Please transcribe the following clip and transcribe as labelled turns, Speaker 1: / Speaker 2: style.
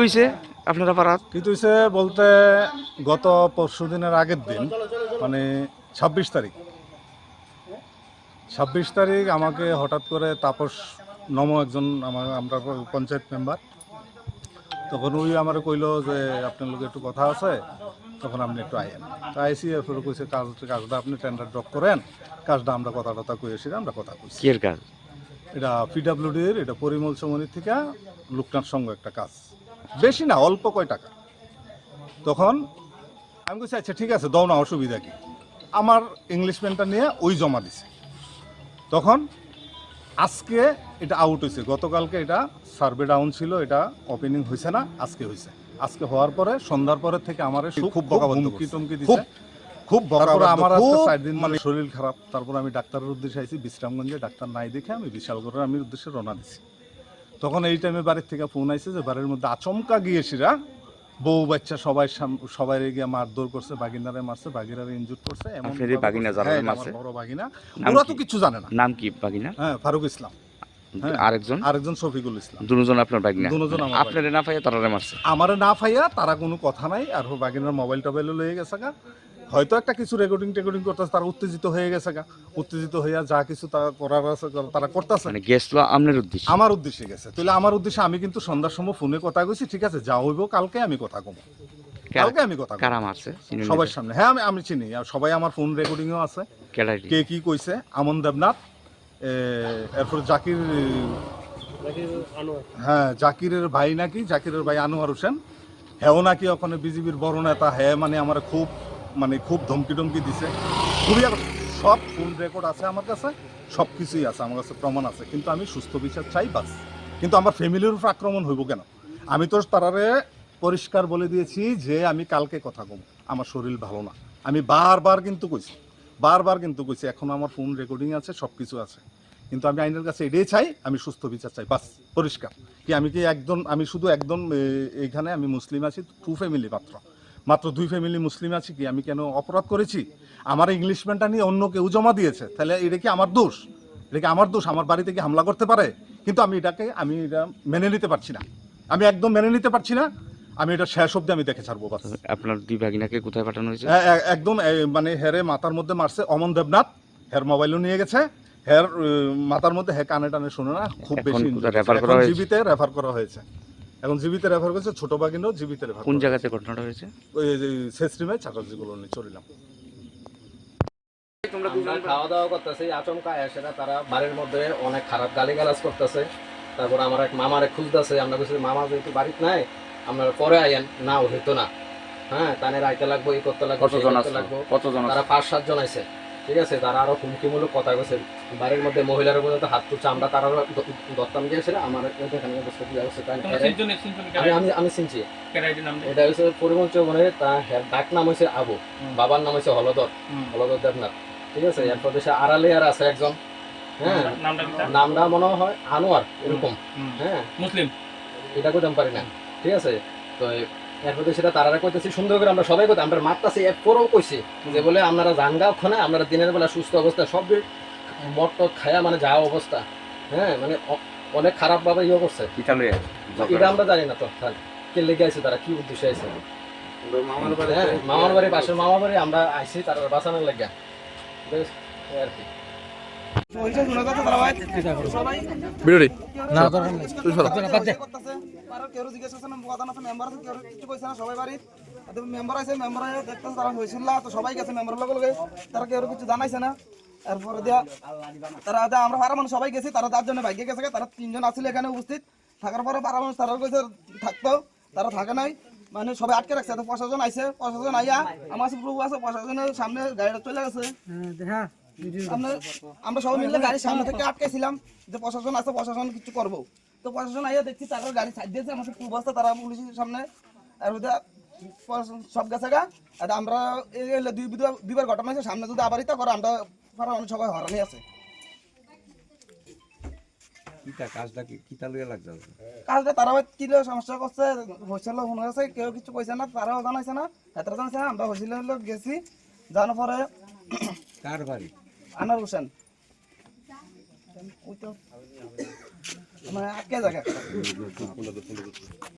Speaker 1: হইছে আপনারা পাড়াত?
Speaker 2: কিন্তু হইছে বলতে গত পরশুদিনের আগের দিন মানে ২৬ তারিখ আমাকে হঠাৎ করে তাপস একজন আমরা পঞ্চায়েত মেম্বার, তখন ওই আমার কইলো যে আপনার লোক একটু কথা আছে, তখন আপনি একটু আইয়েন। তো আইসি এরপরে কইছে কাজটা আপনি টেন্ডার ড্রপ করেন, কাজটা আমরা কথা কইছি, আমরা কথা কইছি।
Speaker 1: কি এর কাজ?
Speaker 2: এটা পিডাব্লিউডির, এটা পরিমল চমনি থেকে লোকনাথ সঙ্গ একটা কাজ, বেশি না, অল্প কয় টাকা। তখন আমি বলছি আচ্ছা ঠিক আছে দাও না, অসুবিধা কি। আমার ইংলিশম্যানটা নিয়ে ওই জমা দিছে। তখন আজকে এটা আউট হয়েছে, গতকালকে এটা সার্ভে ডাউন ছিল, এটা ওপেনিং হয়েছে না, আজকে হয়েছে। আজকে হওয়ার পরে সন্ধ্যার পরে থেকে আমার খুব হুমকি টুমকি দিচ্ছে, খুব তারপরে আমার আজকে 4 দিন মানে শরীর খারাপ। তারপর আমি ডাক্তারের উদ্দেশ্যে আইছি বিশ্রামগঞ্জে, ডাক্তার নাই দেখে আমি বিশালগড়ের আমি উদ্দেশ্যে রওনা দিছি। তখন এই টাইমে বাড়ির থেকে ফোন আইছে যে বাড়ির মধ্যে আচমকা গিয়েছিরা বউ বাচ্চা সবাই গিয়ে মারধর করছে, বাগিনারে মারছে, বাগিনারে ইনজুর করছে।
Speaker 1: আপনার এই বাগিনা যারা মারছে?
Speaker 2: বড় বাগিনা, ওরা তো কিছু জানে না।
Speaker 1: নাম কি বাগিনা?
Speaker 2: হ্যাঁ, ফারুক ইসলাম। আরেকজন শফিকুল ইসলাম।
Speaker 1: দুজন আপনার বাগিনা?
Speaker 2: দুজন আমার।
Speaker 1: আপনারে না পাইয়া তারারে মারছে?
Speaker 2: আমারে না পাইয়া তারা কোনো কথা নাই, আর বাগিনার মোবাইল টোবাইলও লয়ে গেছে গা, হয়তো একটা কিছু রেকর্ডিং করতেছে, তারা উত্তেজিত হয়ে গেছে গা, উত্তেজিত হইয়া যা কিছু তারা করার আছে তারা করতেছে।
Speaker 1: মানে গেছিল আপনার উদ্দেশ্যে?
Speaker 2: আমার উদ্দেশ্যে গেছে। তাহলে আমার উদ্দেশ্যে আমি কিন্তু সন্ধ্যার সময় ফোনে কথা কইছি, ঠিক আছে যা হইব কালকে আমি কথা কব, কালকে আমি কথা
Speaker 1: কারা মারছে
Speaker 2: সবার সামনে। হ্যাঁ আমি চিনি, আর সবাই আমার ফোন রেকর্ডিংও আছে, কে কি কইছে। আমন দেবনাথ, এরপর জাকির, হ্যাঁ জাকিরের ভাই নাকি, জাকিরের ভাই আনোয়ার হোসেন, হ্যাঁ নাকি ওখানে বিজেপির বড় নেতা। হ্যাঁ মানে আমার খুব ধমকি টমকি দিছে, খুবই। সব ফোন রেকর্ড আছে আমার কাছে, সব কিছুই আছে আমার কাছে, প্রমাণ আছে। কিন্তু আমি সুস্থ বিচার চাই বাস। কিন্তু আমার ফ্যামিলির উপর আক্রমণ হইব কেন? আমি তো তারারে পরিষ্কার বলে দিয়েছি যে আমি কালকে কথা কম, আমার শরীর ভালো না। আমি বারবার কিন্তু কইছি, এখন আমার ফোন রেকর্ডিং আছে, সব কিছু আছে। কিন্তু আমি আইনের কাছে এটাই চাই, আমি সুস্থ বিচার চাই বাস, পরিষ্কার। আমি শুধু একদম এইখানে আমি মুসলিম আছি, 2 ফ্যামিলি মাত্র 2 ফ্যামিলি মুসলিম আছি। কি আমি কেন অপরাধ করেছি? আমার ইংলিশম্যানটা নিয়ে অন্য কেউ জমা দিয়েছে, তাহলে এটা কি আমার দোষ? আমার বাড়িতে কি হামলা করতে পারে? কিন্তু আমি এটা মেনে নিতে পারছি না, আমি একদম মেনে নিতে পারছি না। আমি এটা শেষ অব্দি আমি দেখে ছাড়বো বাস।
Speaker 1: আপনার 2 ভাগিনাকে কোথায় পাঠানো হয়েছে?
Speaker 2: একদম মানে হেরে মাথার মধ্যে মারছে অমন দেবনাথ, হের মোবাইলও নিয়ে গেছে, হের মাথার মধ্যে কানে টানে শুনে না, খুব বেশি জীবিতে রেফার করা হয়েছে। এখন জীবিতে রেফার করেছে, ছোট বাগিনও জীবিতে রেফার।
Speaker 1: কোন জায়গাতে ঘটনাটা হয়েছে?
Speaker 2: ওই শেষরিমায় চাটার্জি কলোনি চলিলাম।
Speaker 3: আমরা খাওয়া দাওয়া করতেছি, আচমকা এসে তারা বাড়ির মধ্যে অনেক খারাপ গালিগালাজ করতেছে। তারপর আমার এক মামারে খুঁজতেছে, আমরা বলছি মামা যেহেতু বাড়িতে নাই আপনারা পরে আইয়েন, না হইতো না। হ্যাঁ তানে রাইতে লাগবো, এই করতে লাগবো,
Speaker 1: কতজন?
Speaker 3: তারা 5-7 জন আছে, ঠিক আছে। তারা আরো হুমকিমূলক কথা কইছে, বাড়ির মধ্যে মহিলার উপর হাত তুলছে, আমরা তারা দত্তাম দিয়েছিল। আমার এখানে আমি চিনছি, এটা হচ্ছে পরিমল চৌবনে, তার ডাক নাম হয়েছে আবু, বাবার নাম হয়েছে হলদর দেবনাথ, ঠিক আছে। এরপর দেশে আড়ালে আর আছে একজন, হ্যাঁ নামটা মনে হয় আনোয়ার এরকম, হ্যাঁ মুসলিম, এটা কইতাম পারি না, ঠিক আছে। তো এরপর সেটা তারা কইতেছি সুন্দর করে, আমরা সবাই কইতাম, আমরা মারতাছি। এরপরও কইছি যে বলে আপনারা জানগা ওখানে, আপনারা দিনের বেলা সুস্থ অবস্থা সব মদ টদ খায়া মানে যা অবস্থা, হ্যাঁ মানে অনেক খারাপ ভাবে ইয়ে করছে। এটা আমরা জানি না তো কে লেগে আছে, তারা কি উদ্দেশ্যে আছে। মামার বাড়ি পাশের মামার বাড়ি আমরা আইসি তারা বাঁচানোর লেগে আর কি।
Speaker 4: সবাই গেছে মেম্বার লগে, তারা কেউ কিছু জানাইছে না। এরপরে দিয়া তারা আমরা পাড়া মানুষ সবাই গেছি, তারা 4 জনে ভাগ্যে গেছে, তারা 3 জন আছিল এখানে উপস্থিত থাকার পরে পাড়া মানুষ তারা কইছে থাকতো, তারা থাকে নাই, মানে সবাই আটকে রাখছে। প্রশাসন আইছে, প্রশাসন আইয়া আমার প্রভু আছে, প্রশাসনের সামনে গাড়িটা চলে গেছে। আমরা সবাই মিলে গাড়ির সামনে থেকে আটকেছিলাম যে প্রশাসন আছে, প্রশাসন কিছু করবো। তো প্রশাসন আইয়া দেখছি তারা গাড়ি ছাড় দিয়েছে, আমার প্রভু আছে, তারা পুলিশের সামনে সব গেছে গা। আমরা দুইবার ঘটনা হয়েছে, সামনে যদি আবার ইতা করে আমরা সবাই হরানি আছে। কাজটা তারা কি সমস্যা করছে হয়েছিল মনে হয়েছে, কেউ কিছু কইছে না, তারাও জানাইছে না, এতটা জানাইছে না। আমরা হয়েছিল গেছি, জানার পরে কার বাড়ি আনোয়ার হোসেন ওই তো মানে আটকে জায়গা।